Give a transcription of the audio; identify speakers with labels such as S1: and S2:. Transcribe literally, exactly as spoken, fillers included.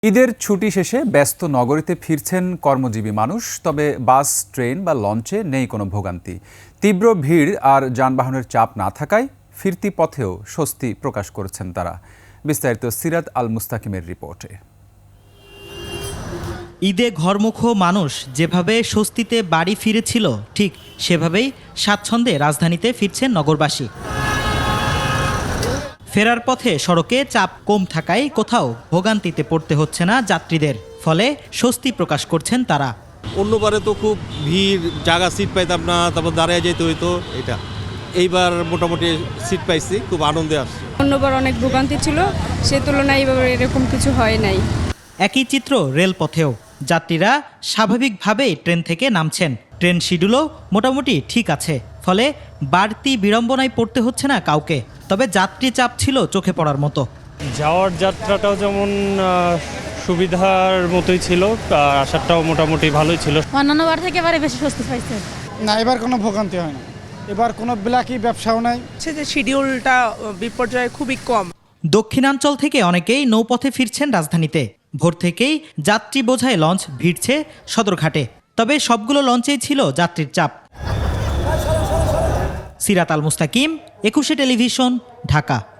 S1: ঈদের ছুটি শেষে ব্যস্ত নগরীতে ফিরছেন কর্মজীবী মানুষ, তবে বাস, ট্রেন বা লঞ্চে নেই কোনো ভোগান্তি। তীব্র ভিড় আর যানবাহনের চাপ না থাকায় ফিরতি পথেও স্বস্তি প্রকাশ করেছেন তারা। বিস্তারিত সিরাত আল মুস্তাকিমের রিপোর্টে।
S2: ঈদে ঘরমুখো মানুষ যেভাবে স্বস্তিতে বাড়ি ফিরেছিল, ঠিক সেভাবেই স্বাচ্ছন্দ্যে রাজধানীতে ফিরছেন নগরবাসী। ফেরার পথে সড়কে চাপ কম থাকায় কোথাও ভোগান্তিতে পড়তে হচ্ছে না যাত্রীদের, ফলে স্বস্তি প্রকাশ করছেন তারা।
S3: অন্যবারে তো খুব ভিড়, জায়গা সিট পাইতাম না, তারপর দাঁড়িয়ে যেতে হইতো। এটা এইবার মোটামুটি সিট পাইছি, খুব আনন্দে আসছে।
S4: অন্যবার অনেক ভোগান্তি ছিল, সে তুলনায় এইভাবে এরকম কিছু হয় নাই।
S2: একই চিত্র রেলপথেও যাত্রীরা স্বাভাবিকভাবেই ট্রেন থেকে নামছেন। ট্রেন শিডিউলও মোটামুটি ঠিক আছে, ফলে বাড়তি বিড়ম্বনায় পড়তে হচ্ছে না কাউকে। তবে যাত্রী চাপ ছিল চোখে পড়ার মতো।
S5: যাওয়ার যাত্রাটাও যেমন সুবিধার মতোই ছিল, আর আসারটাও মোটামুটি ভালোই ছিল।
S6: অন্যান্য বার থেকে এবারে বেশি স্বস্তি পাইছে।
S7: না, এবার কোনো ভোগান্তি হয় না। এবার কোনো ব্ল্যাকি ব্যবসাও নাই।
S8: যে শিডিউলটা বিপর্যয় খুবই কম।
S2: দক্ষিণাঞ্চল থেকে অনেকেই নৌপথে ফিরছেন রাজধানীতে। ভোর থেকেই যাত্রী বোঝাই লঞ্চ ভিড়ছে সদরঘাটে, তবে সবগুলো লঞ্চেই ছিল যাত্রীর চাপ। সিরাত আল মুস্তাকিম, একুশে টেলিভিশন, ঢাকা।